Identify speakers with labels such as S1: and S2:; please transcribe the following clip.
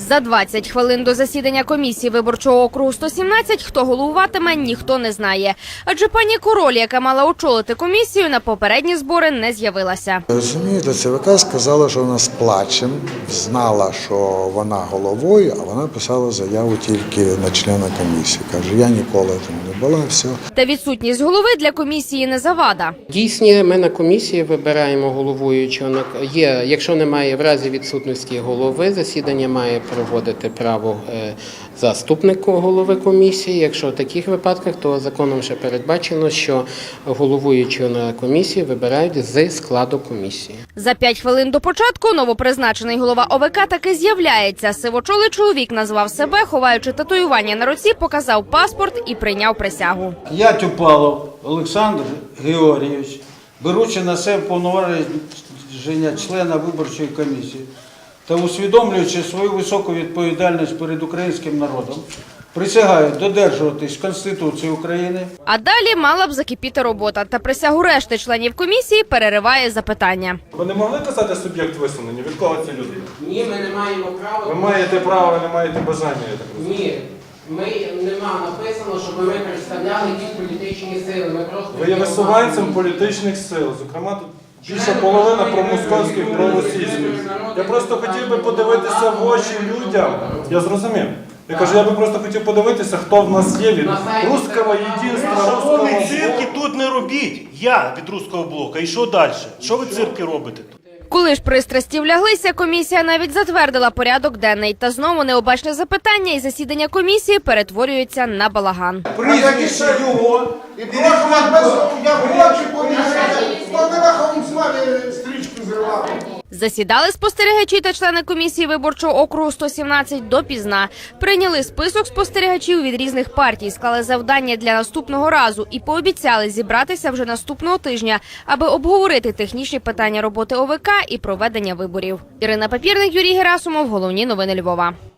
S1: За 20 хвилин до засідання комісії виборчого округу 117, хто головуватиме, ніхто не знає. Адже пані Король, яка мала очолити комісію, на попередні збори не з'явилася.
S2: Розумієте, ЦВК сказала, що вона з плачем, знала, що вона головою, а вона писала заяву тільки на члена комісії. Каже, я ніколи там не була, все.
S1: Та відсутність голови для комісії не завада.
S3: Дійсно, ми на комісії вибираємо головуючого. Якщо немає в разі відсутності голови, засідання має проводити право заступник голови комісії. Якщо в таких випадках, то законом ще передбачено, що головуючого на комісії вибирають з складу комісії.
S1: За 5 хвилин до початку новопризначений голова ОВК таки з'являється. Сивочолий чоловік назвав себе, ховаючи татуювання на руці, показав паспорт і прийняв присягу.
S4: Я Тюпалов Олександр Георгійович, беручи на себе повноваження члена виборчої комісії та усвідомлюючи свою високу відповідальність перед українським народом, присягаю додержуватись Конституції України.
S1: А далі мала б закипіти робота. Та присягу решти членів комісії перериває запитання.
S5: Ви не могли казати суб'єкт висунення? Від кого ці люди?
S3: Ні, ми не маємо права.
S5: Ви маєте право, не маєте бажання, я так розумію.
S3: Ні. Нема написано, щоб ми представляли якісь політичні сили. Ми просто
S5: Ви є висуванцем політичних сил, зокрема тут більша половина промосковських, проросійських. Я просто хотів би подивитися в очі людям. Я зрозумів. Я кажу, я би просто хотів подивитися, хто в нас є від руського єдинства, руського
S6: Шановні,
S5: блоку.
S6: цирки тут не робіть. Я від руського блока. І що далі? Що ви цирки робите тут?
S1: Коли ж пристрасті вляглися, комісія навіть затвердила порядок денний. Та знову необачне запитання і засідання комісії перетворюється на балаган.
S7: Прізвище його. І прошу вас без... Я хочу помішати. Хто не рахом з вами стрічку зривав?
S1: Засідали спостерігачі та члени комісії виборчого округу 117 допізна. Прийняли список спостерігачів від різних партій, склали завдання для наступного разу і пообіцяли зібратися вже наступного тижня, аби обговорити технічні питання роботи ОВК і проведення виборів. Ірина Папірник, Юрій Герасимов. Головні новини Львова.